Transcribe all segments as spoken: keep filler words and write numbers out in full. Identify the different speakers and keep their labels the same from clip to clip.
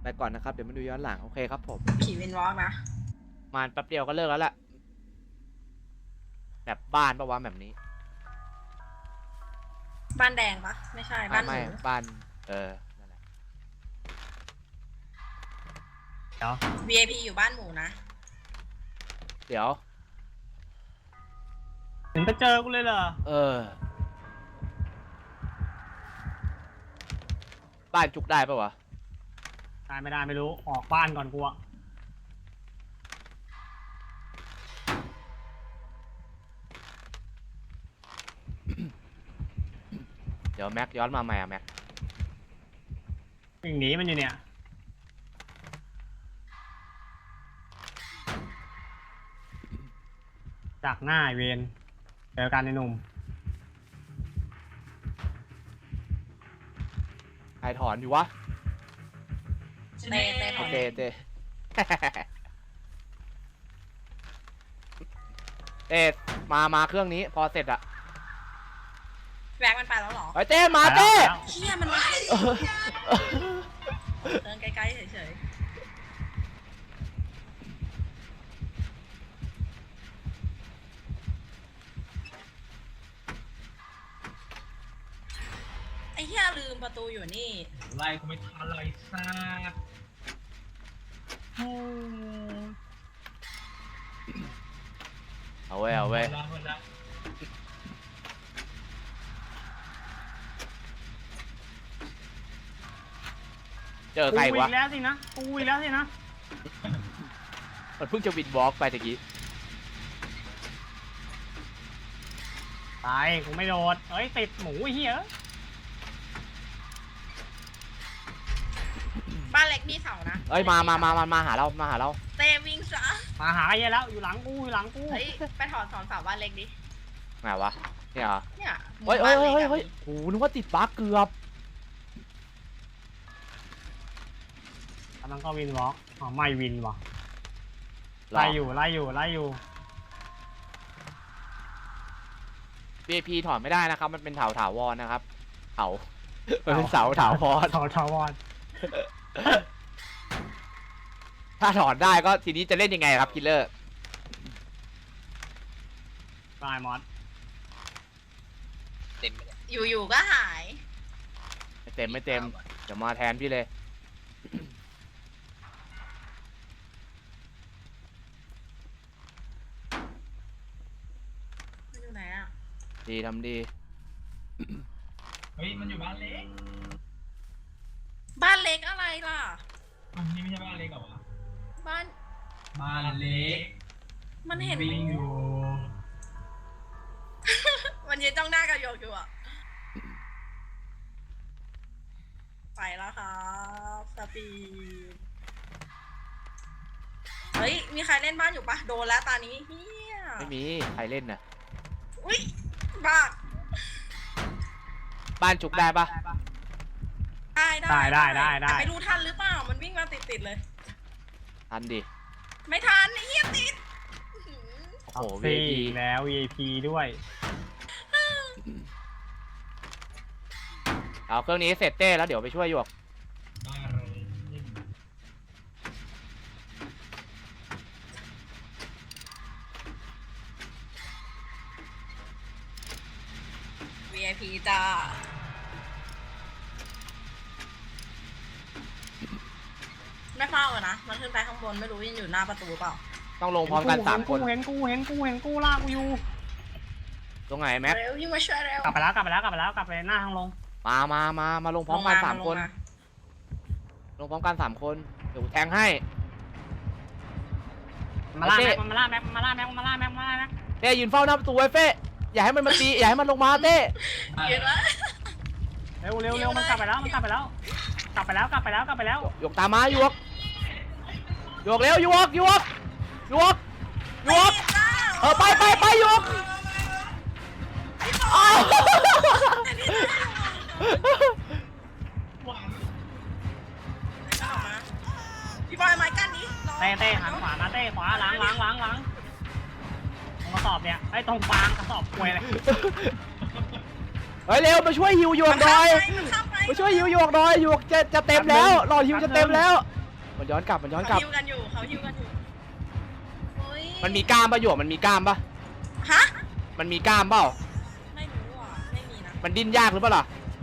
Speaker 1: ไปก่อนนะครับเดี๋ยวมาดูย้อนหลังโอเคครับผม
Speaker 2: ผีวินวอล์กนะ
Speaker 1: มาแป๊บเดียวก็เลิกแล้วแหละแบบบ้านปะวะแบบนี้
Speaker 2: บ้านแดงปะไม่ใช่บ้านห
Speaker 1: ไม่
Speaker 2: มู
Speaker 1: บ้านเออนั่นแหละ
Speaker 3: เดี๋ยว
Speaker 2: วี ไอ พี อยู่บ้านหมูนะ
Speaker 1: เดี๋ยว
Speaker 3: ถึงไปเจอกูเลยเหรอ
Speaker 1: เออบ้านจุกได้ปะวะ
Speaker 3: ได้ไม่ได้ไม่รู้ออกบ้านก่อนกูอะ
Speaker 1: เดี๋ยวแม็กย้อนมาใหม่อะแม็ก
Speaker 3: วิ่งหนีมันอยู่เนี่ยจากหน้าเวนเจอกันในหนุ่ม
Speaker 1: ใครถอนอยู่วะ
Speaker 2: เต้เต้ถ
Speaker 1: โอ
Speaker 2: อน
Speaker 1: เคเต้เต้มามาเครื่องนี้พอเสร็จอะ
Speaker 2: แบกมันไปแล้วเหรอ
Speaker 1: ไอ้เต้มาเต้
Speaker 2: เฮียมันมาเดินใกล้ๆเฉยๆไอ้เฮียลืมประตูอยู่นี่
Speaker 4: ไล่กูไม่ทันเลยซ่า
Speaker 1: เอาไว้เอาไว้เจอใครวะ
Speaker 3: กูอีกแล้วสินะกูอีกแล้วสินะ
Speaker 1: มันเพิ่งจะวินวอล์กไปตะกี้
Speaker 3: ตายกูไม่โดดเอ้ยติดหมูไอ้เหี้ย
Speaker 2: บ้านเล็กมีเสานะ
Speaker 1: เอ้ยมามามามามาหาเรามาหาเรา
Speaker 2: เต้วิ่งซะ
Speaker 3: มาหาไอ้เหี้ยแล้วอยู่หลังกูอยู่หลังกู
Speaker 2: เฮ้ยไปถอนสอนเสาบ้านเล็กดิ
Speaker 1: ไหนวะเนี่ยเหรอ
Speaker 2: เนี่ย
Speaker 1: เฮ้ยเฮ้ยเฮ้ยเฮ้ยโอ้โหนึกว่าติดบั๊กเกือบ
Speaker 3: กำลังก็วินวอล์กอ๋อไม่วินวะไล่อยู่ไล่อยู่ไล่อยู่
Speaker 1: วี ไอ พี ถอนไม่ได้นะครับมันเป็นเถาถาวรนะครับเถามันเป็นเสาถาวร
Speaker 3: เถาถาวร
Speaker 1: ถ้าถอนได้ก็ทีนี้จะเล่นยังไงครับคิลเลอร์
Speaker 3: ตายมอส
Speaker 4: เต็ม
Speaker 2: อยู่ๆก็หาย
Speaker 1: ไม่เต็มไม่เต็มเดี๋ยวมาแทนพี่เลย
Speaker 2: มันอยู่ไหนอ่ะ
Speaker 1: ดีทำดี
Speaker 4: เฮ้ยมันอยู่บ้านเล็ก
Speaker 2: บ้านเล็กอะไรล่ะ
Speaker 4: อันนี้ไม่ใช่บ้านเล็กเหรอวะ
Speaker 2: บ้าน
Speaker 4: บ้านเล็ก
Speaker 2: มันเห็น
Speaker 4: วิ่งอยู่
Speaker 2: มันยืนจ้องหน้ากับโยกอยู่อ่ะไปแล้วครับสปีดเฮ้ยมีใครเล่นบ้านอยู่ปะโดนแล้วตานี้เฮีย
Speaker 1: ไม่มีใครเล่นน่ะ
Speaker 2: อุ้ยบ้า
Speaker 1: บ้านจุกได้ปะ
Speaker 2: ได้
Speaker 3: ได้ได้ได้ได้
Speaker 2: ไม่รู้ทันหรือเปล่ามันวิ่งมาติดติดเลย
Speaker 1: ทันดิ
Speaker 2: ไม่ทันเฮียติด
Speaker 1: โอ้โห
Speaker 3: วี ไอ พี แล้ว วี ไอ พี ด้วย
Speaker 1: เอาเครื่องนี้เสร็จเต้แล้วเดี๋ยวไปช่วยหยวก
Speaker 4: บ้านเลย
Speaker 2: วี ไอ พี จ้าไม่เฝ้าอะนะมันขึ้นไปข้างบนไม่รู้ยังอยู่หน้าประตูเปล่า
Speaker 1: ต้องลงพร้อมกันสามคน
Speaker 3: เห็นกูเห็นกูเห็นกูลากกูอยู่
Speaker 1: ตรงไหนแม็ก
Speaker 2: เร็วยิ่งมาช่วยเร็ว
Speaker 3: กลับไปแล้วกลับไปแล้วกลับไปแล้วกลับไปหน้าทางลง
Speaker 1: มามามามาลงพร้อมกันสามคนลงพร้อมกันสามคนเดี๋ยวแทงให้
Speaker 3: มาล่าแม็กมาล่าแม็กมาล่าแม็กมาล่าแม็กมาล่าแม็ก
Speaker 1: เต้ยืนเฝ้าหน้าประตูไว้เฟ้อย่าให้มันมาตีอย่าให้มันลงมาเต้
Speaker 2: เห็นไหม
Speaker 3: เร็วเร็วเร็วมันกลับไปแล้วมันกลับไปแล้วกลับไปแล้วกลับไปแล้วกลับไปแล้ว
Speaker 1: หยวกตามมาหยวกหยวกเร็วหยวกหยวกหยวกหยวกเออไปไปไปหยวก
Speaker 2: พี่บอยไม้กั้นนี้
Speaker 3: เต้เต้หันขวามาเต้ขวาหลังหลังหลังหลังตรงกระสอบเนี่ยไอ้ตรงฟางกระสอบกล้วยเลย
Speaker 1: เฮ้ยเร็วมาช่วยหิวหยวกหน่อยมาช่วยหิวหยวกหน่อยหยวกจะจะเต็มแล้วหลอดหิวจะเต็มแล้วมันย้อนกลับมันย้อนก
Speaker 2: เขา
Speaker 1: ลับ
Speaker 2: ฮิวกันอยู่เขาฮิวกันอยู่โอ้ย
Speaker 1: มันมีกล้ามปะหยวกมันมีกล้ามปะ
Speaker 2: ฮะ
Speaker 1: มันมีกล้ามเปล่า
Speaker 2: ไม่รู้อ่ะไม่มีนะ
Speaker 1: มันดิ้นยากหรือเปล่าล่ะ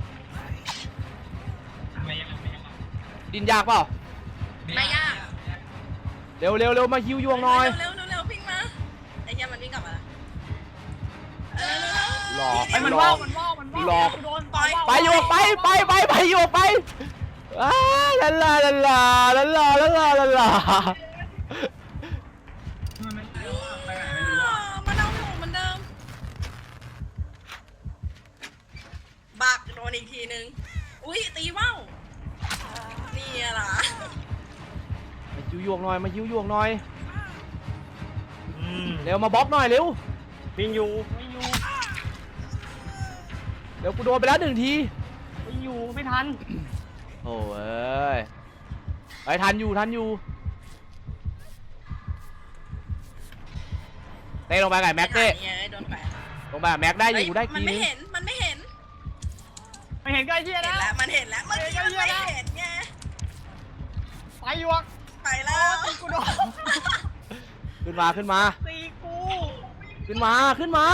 Speaker 4: ไม่ยากไม่ยาก
Speaker 1: ดิ้นยากเปล่า
Speaker 2: ไม่ยาก
Speaker 1: เร็วเร็วเร็วมาฮิวยวงหน่อย
Speaker 2: เร็วเร็วเร็วพิงมาไอ้เหี้ยมันวิ่งกลับมาละเร็วเร็ว
Speaker 1: หลอก
Speaker 3: ไอ้มัน
Speaker 1: หล
Speaker 3: ว่า
Speaker 1: อก
Speaker 3: มันว่ามันว่า
Speaker 1: หลอก
Speaker 3: กูโดน
Speaker 2: ปล่อย
Speaker 1: ไปหยวกไปไปไปไปหยวกไปอ้าลาลาลาลาลาลาลาลาลาลา
Speaker 4: มันไม่ใช่ว่าไปไหนไม่รู้อ่ะ
Speaker 2: มันเอาอยู่เหมือนเดิมบักโดนอีกทีนึงอุ้ยตีว่าวนี่อะล่ะ
Speaker 1: มาฮิวยวงหน่อยมาฮิวยวงหน่อย
Speaker 3: อืม
Speaker 1: เร็วมาบล็อกหน่อยเร็ว
Speaker 3: วิ่งอยู่ไม่อยู่
Speaker 1: เร็วกูโดนไปแล้วหนึ่งที
Speaker 3: ไม่อยู่ไม่ทัน
Speaker 1: โอ้ยไอ้ทันอยู่ทันอยู่เต้ลงไปไก่แม็กเต้
Speaker 2: ไอ้โดนแปะ
Speaker 1: ลงไปกับแม็กได้อยู่ได้
Speaker 2: มั
Speaker 1: ที
Speaker 2: นไม่
Speaker 1: นึง
Speaker 2: เห็นมันไม่เห็น
Speaker 3: ไม่เห็นก็ไอ้เหี้ย
Speaker 2: เห็น
Speaker 3: นะ
Speaker 2: แล้วมันเห็นแล้วมันยังไม่เห็นไง
Speaker 3: ไปหยวก
Speaker 2: ไปแล้ว
Speaker 3: กูโดน
Speaker 1: ขึ้นมาขึ้นมา
Speaker 3: ตีกู
Speaker 1: ขึ้นมาขึ้นมา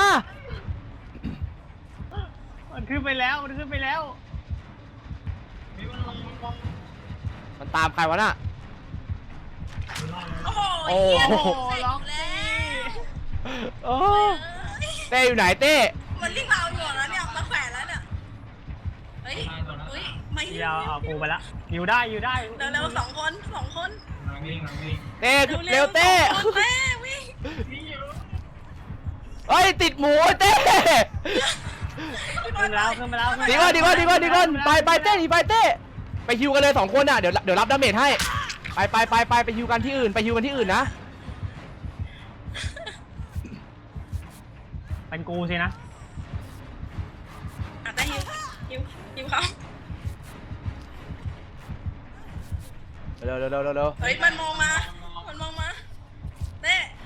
Speaker 3: มันขึ้นไปแล้วมันขึ้นไปแล้ว
Speaker 4: ไม่ว่าลงลง
Speaker 1: มันตามใครวะน่ะ
Speaker 2: โอ้โห
Speaker 1: โอ้
Speaker 2: เหี้ย
Speaker 1: โห
Speaker 2: เสร็จแล้ว
Speaker 1: โอ้เต้อยู่ไหนเต้
Speaker 2: มันรีบเอาอยู่แล้วเนี่ยมาแขวนแล้วเนี่ยเฮ้ยเฮ้ยไม่
Speaker 3: เดี๋ยวเอากูไปละอยู่ได้อยู่ได้
Speaker 2: เร็วเร็วๆสองคนสองคน
Speaker 4: นังวิ่งนังวิ่ง
Speaker 1: เต้เร็วเต้
Speaker 2: สองคนเต้วิ่ง
Speaker 4: วิ่งอยู่
Speaker 1: เฮ้ยติดหมูเต้
Speaker 3: ขึ้นมาแล้วขึ้นมาแล้วขึ้นมา
Speaker 1: ดี
Speaker 3: แล้ว
Speaker 1: ก่อนดีก่อนดีก่อนดีก่อนไปไปเต้ดีไปเต้ไปฮิวกันเลยสองคนอ่ะเดี๋ยวเดี๋ยวรับดาเมจให้ไปไปไปไปไปฮิวกันที่อื่นไปฮิวกันที่อื่นนะ
Speaker 3: เป็นกูสินะ
Speaker 2: อ่ะแต่ฮิวฮิวฮิวเขา
Speaker 1: เร็วเร็วเร็วเร็วเร็ว
Speaker 2: เฮ้ยมันมองมามันมองมาเต้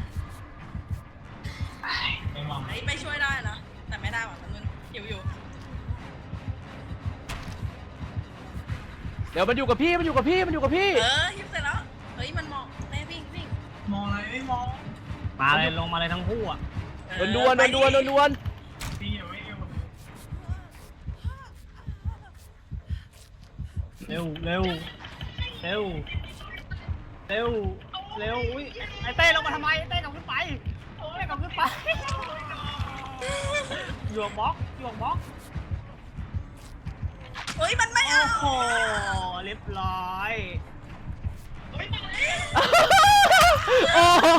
Speaker 4: ไม่มอง
Speaker 2: เฮ้ยไปช่วยได้นะแต่ไม่ได้หว่ะมันมึงหิวอยู่
Speaker 1: เดี๋ยวมันอยู่กับพี่มันอยู่กับพี่มันอยู่กับพี่
Speaker 2: เออฮิวเสร็จแล้วเฮ้ยมันมองเต้วิ่งวิ่ง
Speaker 4: มองอะไรไม่มอง
Speaker 3: มาเลยลงมาเลยทั้งคู่อ่ะ
Speaker 2: เออ
Speaker 1: ดวนดวนดวนดวนดวน
Speaker 4: วิ่งอยู่วิ่งอยู่
Speaker 3: เร็วเร็วเร็วเร็วเร็วอุ้ยไอ้เต้ลงมาทำไมไอ้เต้กลับขึ้นไปเอ้ยกลับขึ้นไปหยวกบล็อกหยวกบล็อก
Speaker 2: เฮ้ยมันไม่
Speaker 3: โอ้
Speaker 2: เอา
Speaker 3: โหเรียบร้อย
Speaker 1: โอ้โห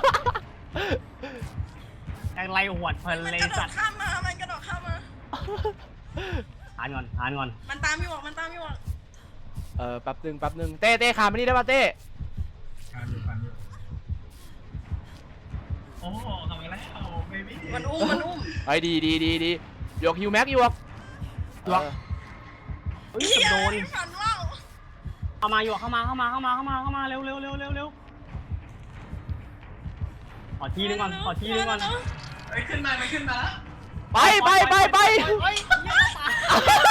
Speaker 3: ยังไล่หวดเพลิน
Speaker 2: มัน
Speaker 3: เล
Speaker 2: ก
Speaker 3: ย
Speaker 2: ระโด
Speaker 3: สั
Speaker 2: ด
Speaker 3: ตว์
Speaker 2: ข้ามมามันกระโดดข้ามมา
Speaker 3: ทานก่อนทานก่อน
Speaker 2: มันตามอยู่อ่ะมันตามอยู่อ่ะ
Speaker 1: เออแป๊บนึงแป๊บนึงเต้เต้คามไปนี่ได้ป่ะเต้
Speaker 4: การอยู่การอยู่โอ้โหทำมาแล้วเบบี้
Speaker 2: มันอุ้มมันอุ้ม
Speaker 1: ไอ้ดีดีดีดีหยวกฮิวแม็กหยวก
Speaker 3: หยวก เฮ้ย
Speaker 2: เฮีย
Speaker 3: โดน
Speaker 2: ฝันว่าว
Speaker 3: เข้ามาหยวกเข้ามาเข้ามาเข้ามาเข้ามาเข้ามาเร็วเร็วเร็วเร็วเร็วขอทีนึงก่อนขอทีนึงก่อน
Speaker 4: เฮ้ยขึ้นมาไม่ขึ้นมาแล้ว
Speaker 1: ไปไปไปไป
Speaker 3: เฮ้ยเหี้ยตาย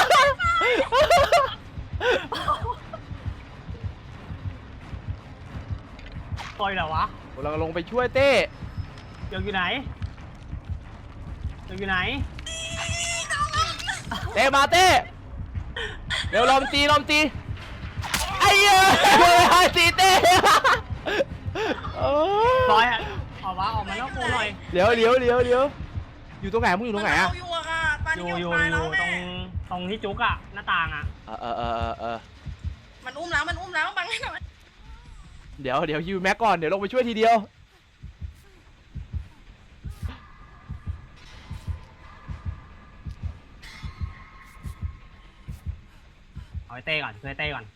Speaker 3: ปล่อยเหรอวะ
Speaker 1: กำลังลงไปช่วยเต้
Speaker 3: หยวกอยู่ไหนหยวกอยู่ไหน
Speaker 1: เต้มาเต้เร็วลอมตีลอมตีไอ้เหี้ยตีเต้เออ
Speaker 3: ปล่อยอ่ะออกมาออกมาแล้วกูหน่อย
Speaker 1: เดี๋ยวเดี๋ยวเดี๋ยวเดี๋ยวอยู่ตรงไหนมึงอยู่ตรงไหนอะ
Speaker 2: มัเอาอยู่อ่ะตอน
Speaker 3: อ
Speaker 2: นี้
Speaker 3: ยู่
Speaker 2: อ
Speaker 3: อยู่
Speaker 2: ยู่ตาย
Speaker 3: อ
Speaker 2: แล้ว
Speaker 3: ยู่ตร
Speaker 2: แม่
Speaker 3: งตรงที่จุกอะหน้าต่างอะ
Speaker 1: เออเออเออเออเออ
Speaker 2: มันอุ้มแล้วมันอุ้มแล้วบังให้หน่อย
Speaker 1: เดี๋ยวเดี๋ยวฮิวแม็กก่อนเดี๋ยวลงไปช่วยทีเดียว
Speaker 3: เอาไอ้เต้ก่อนช่วยเต้ก่อน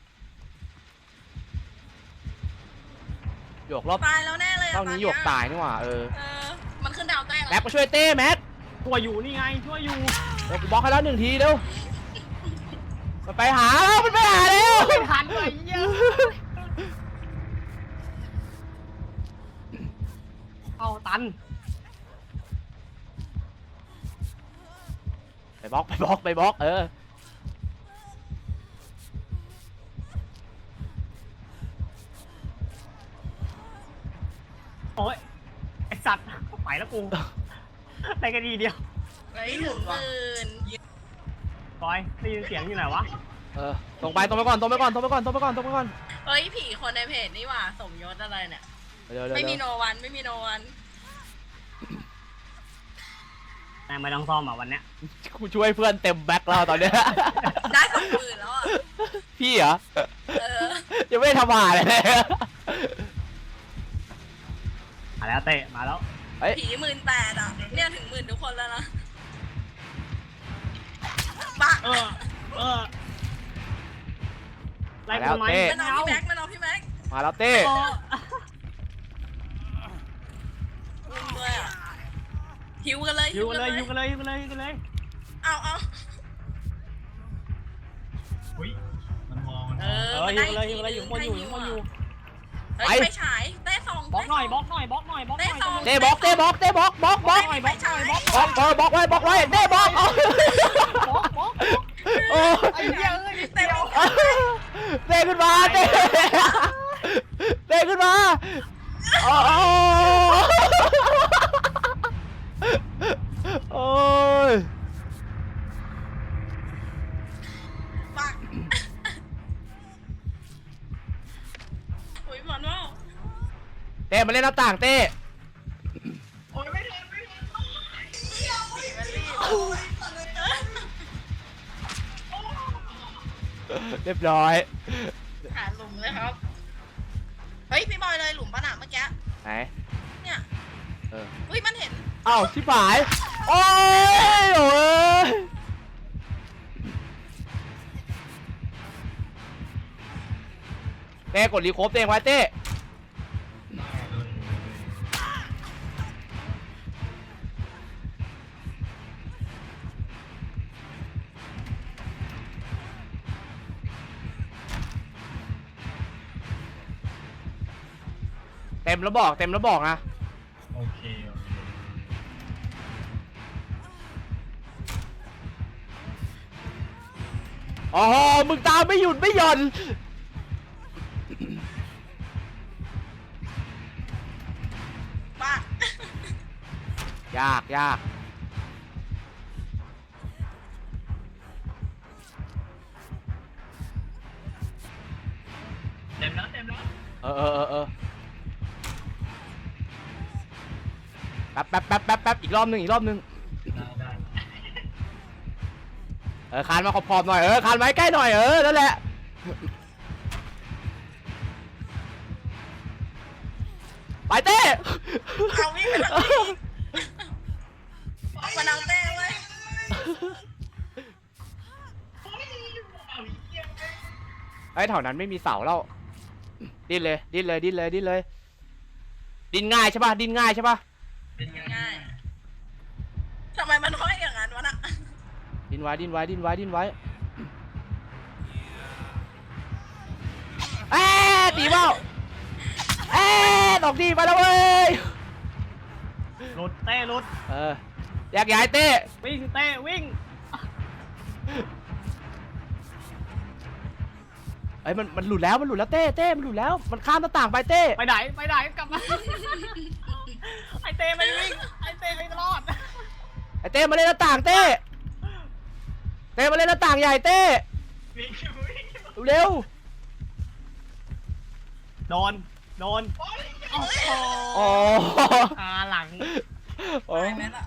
Speaker 1: หยวกรอบ
Speaker 2: ตายแล้วแน่เลยอะ
Speaker 1: เท่านี้หยวกตายนี่หว่าเออ
Speaker 2: เออมันขึ้นดาวแต้ง
Speaker 1: แม็กมาช่วยเต้แม็ก
Speaker 3: ช่วยอยู่นี่ไงช่วยอยู่
Speaker 1: เดี๋ยวกูบล็อกให้แล้วหนึ่งทีเร็วมันไปหาแล้วมันไปหาแล้ว
Speaker 3: ไม่ทันเลยเหี้ยเอาตัน
Speaker 1: ไปบล็อกไปบล็อกไปบล็อกเออ
Speaker 3: โอ้ยไอสัตว์ไปแล้วกูได้แค่ดีเดียว
Speaker 2: เฮ้ยถึงหมื่น
Speaker 3: บอยได้ยินเสียงอยู่ไหนวะ
Speaker 1: เออตรงไปตรงไปก่อนตรงไปก่อนตรงไปก่อนตรงไปก่อนตรงไปก่อน
Speaker 2: เฮ้ยผีคนในเพจนี่หว่าสมยศอะไรเนี่ย
Speaker 1: เดี๋ยวเดี๋ยว
Speaker 2: ไม่มี
Speaker 1: เดี๋ยว
Speaker 2: โนวันไม่มีโนวัน
Speaker 3: นายไม่ต้องซ่อมอ่ะวันเนี้ย
Speaker 1: กูช่วยเพื่อนเต็มแบ็คแล้วตอนเนี้ย
Speaker 2: ได้สองหมื่นแล้วอ่ะ
Speaker 1: พี่เหรอ
Speaker 2: เออ
Speaker 1: ยังไม่ได้ทำผ่านเลย
Speaker 3: มาแล้วเตะมาแล้ว
Speaker 1: เฮ้ย
Speaker 2: ผีหมื่นแปดอ่ะเนี่ยถึงหมื่นทุกคนแล้วนะปัก
Speaker 3: เออเออไล่กูทำไม
Speaker 2: มันเอาพี่แม็กมันเอาพี่แม็ก
Speaker 1: มาแล้วเต้
Speaker 3: โอ้
Speaker 2: ลุมด้วยอ่ะหิวกันเลย
Speaker 3: อยู่กันเลยอยู่กันเลยอยู่กันเลยอยู่กันเลย
Speaker 2: เอาเอา
Speaker 4: อุ้ยมันมองมัน
Speaker 2: เอ
Speaker 4: มอง
Speaker 2: อ
Speaker 3: เอออยู่กันเลยอยู่กันเลยอยู่ข้างบนอยู่อยู่ข้างบนอยู่
Speaker 2: เฮ้ยไปฉายเต้สอง
Speaker 3: บล็อกหน่อยบล็อกหน่อยบล็อกหน่อยบล็อกหน่อย
Speaker 1: เต้บล็อกเต้บล็อกเต้บล็อกบล็อกบล็อก
Speaker 2: ไปฉาย
Speaker 1: บล็อกเออบล็อกไว้บล็อกไว้เต้บล็อกเอา
Speaker 3: บล็อกบล็อก
Speaker 1: โอ้
Speaker 3: ไอ้เหี้ยเอ้ยนิด
Speaker 2: เต้
Speaker 3: เดียว
Speaker 1: เต้ขึ้นมาเต้เต้ขึ้นมาโอ้โอ้ย
Speaker 2: ปักอุ้ยมันว่า
Speaker 1: เต้มาเล่นหน้าต่างเต้
Speaker 4: โอ้ยไม่ทันไม่ทัน
Speaker 2: ผีมันรีบ
Speaker 1: เรียบร้อย
Speaker 2: หาหลุมเลยครับเฮ้ยพี่บอยเลยหลุมปะหนาเมื่อกี้
Speaker 1: ไหน
Speaker 2: เนี่ย
Speaker 1: เออ
Speaker 2: อุ้ยมันเห็น
Speaker 1: เอ้าชิบหายโอ้ยโอ้ยเต้กดรีโคฟเต้ไว้เต้เต็มแล้วบอกเต็มแล้วบอกนะ
Speaker 4: โอเคโอเค
Speaker 1: อ๋อมึงตามไม่หยุดไม่หย่อน
Speaker 2: ปัก
Speaker 1: ยากยาก
Speaker 4: เต็มแล้วเต็มแล้ว
Speaker 1: เออเออเออเออแป๊บแป๊บแป๊บแป๊บแป๊บอีกรอบหนึ่งอีกรอบหนึ่ง
Speaker 4: ได้ได้
Speaker 1: เออคานมาขอบๆหน่อยเออคานมาใกล้หน่อยเออนั่นแหละไปเต้
Speaker 2: เอาวิ่งไปทางนี้มันเอาเต้เว้ย
Speaker 1: ไอ้แถวนั้นไม่มีเสาแล้วดิ้นเลยดิ้นเลยดิ้นเลยดิ้นเลยดิ้นง่ายใช่ป่ะดิ้นง่ายใช่ป่ะ
Speaker 4: เป็นไง
Speaker 2: ง่ายทำไมมันห้อยอย่างนั้นวะน่ะ
Speaker 1: ดิ้นไว้ดิ้นไว้ดิ้นไว้ดิ้นไว้เอ๊ะตีเบ้าเอ๊ะตกดีไปแล้วเว้ย
Speaker 3: หลุดเต้หลุด
Speaker 1: เอออยากย้ายเต้
Speaker 3: วิ่งเต้วิ่ง
Speaker 1: ไอ้ยมันมันหลุดแล้วมันหลุดแล้วเต้เต้มันหลุดแล้วมันข้ามหน้าต่างไปเต้
Speaker 3: ไปไหนไปไหนกลับมาไอเต้ไม่วิ่งไอเต้ไม่รอด
Speaker 1: ไอ้เต้มาเล่นหน้าต่างเต้เต้มาเล่นหน้าต่างใหญ่เต้
Speaker 4: วิ่งวิ่ง
Speaker 1: เร็ว
Speaker 3: โดนโดนโอ้โห
Speaker 1: โอ้
Speaker 3: ขาหลัง
Speaker 1: โอ้
Speaker 2: ตายไหมล่ะ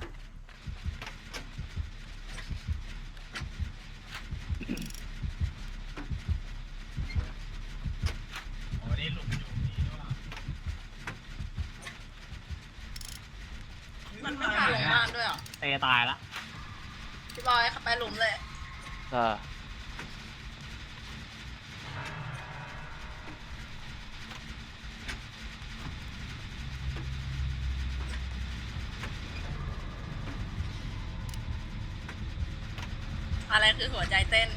Speaker 4: โอ้นี่หลุมอยู่นี่ด้วย
Speaker 2: มันไม่พาลงบ้านด้วยเหรอ
Speaker 3: เต้ตายละ
Speaker 2: พี่บอยขับไปหลุมเลย
Speaker 1: เออ
Speaker 2: อะไรคือหัวใจเต้น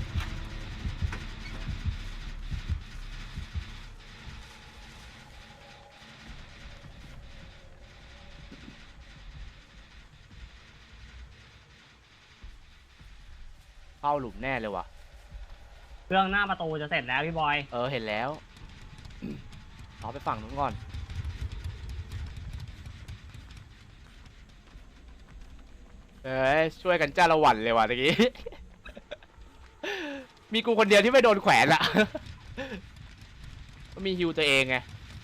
Speaker 1: เข้าหลุมแน่เลยว่ะ
Speaker 3: เครื่องหน้าประตูจะเสร็จแล้วพี่บอย
Speaker 1: เออเห็นแล้วเอาไปฝั่งนู้นก่อนเอ้ยช่วยกันจ้าละวันเลยว่ะตะกี้ มีกูคนเดียวที่ไม่โดนแขวนอะ ก็มีฮิวตัวเองไง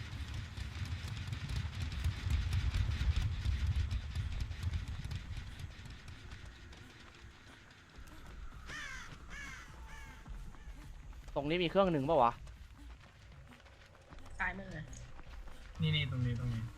Speaker 1: ตรงนี้มีเครื่องหนึ่งป่าวะ
Speaker 2: ซ้ายมือ
Speaker 4: นี่นี่ตรงนี้ตรงนี้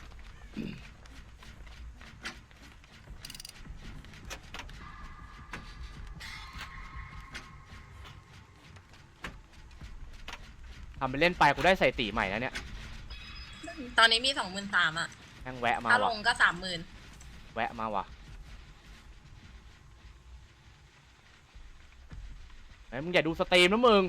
Speaker 1: ทำไปเล่นไปกูได้ใส่ตีใหม่แล้วเนี่ย
Speaker 2: ตอนนี้มีสองหมื่นสามอ่ะ
Speaker 1: แม่งแวะมา
Speaker 2: ถ้าล
Speaker 1: ว่ะ
Speaker 2: งก็สามหมื่น
Speaker 1: แวะมาว่ะไอ้ยมึงอย่าดูสตรีมนะมึง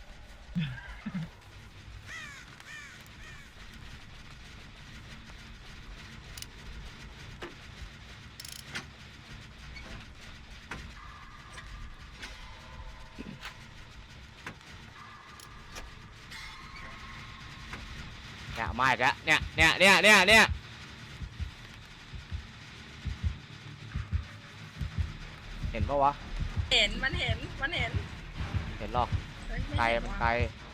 Speaker 1: เนี่ยมาอีกแล้วเนี่ยเนี่ยเนี่ยเนี่ยเนี่ยเห็นปะวะ
Speaker 2: เห็นมันเห็นมันเห็น
Speaker 1: เห็นหรอก
Speaker 2: เฮ้ย
Speaker 1: ไกล
Speaker 2: เห็น
Speaker 1: มัน
Speaker 2: ว่ะ
Speaker 1: ไกล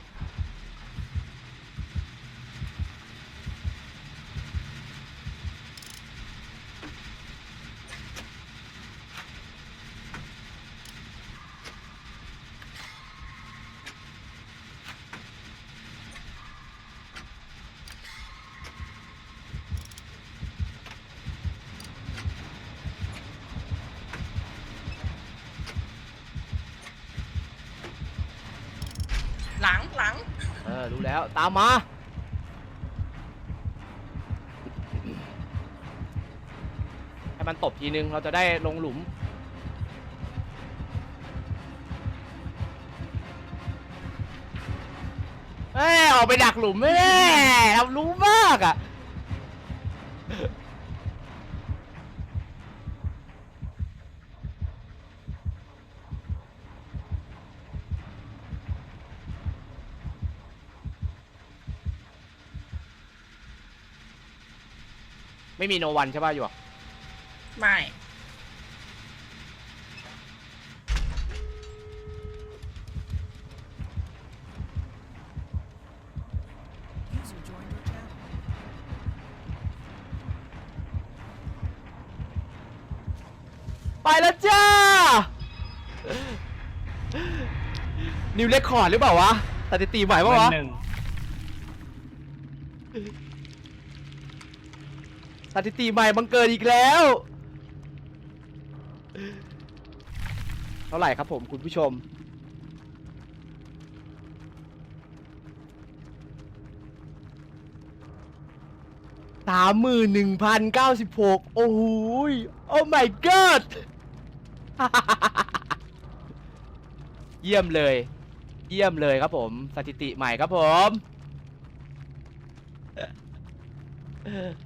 Speaker 2: หลังหลัง
Speaker 1: เออรู้แล้วตามมาให้มันตบทีนึงเราจะได้ลงหลุมเอ้ยออกไปดักหลุมไม่ได้เรารู้มากอ่ะไม่มีโนวันใช่ป่ะหยวก
Speaker 2: ไม่
Speaker 1: ไปแล้วจ้า นิวเรคคอร์ดหรือเปล่าวะสถิติใหม่ปะวะ
Speaker 3: หนึ่ง
Speaker 1: สถิติใหม่บังเกิดอีกแล้วเท่าไหร่ครับผมคุณผู้ชมสามหมื่นหนึ่งพันเก้าสิบหกโอ้โหโอ้ my god เยี่ยมเลย เยี่ยมเลยครับผมสถิติใหม่ครับผม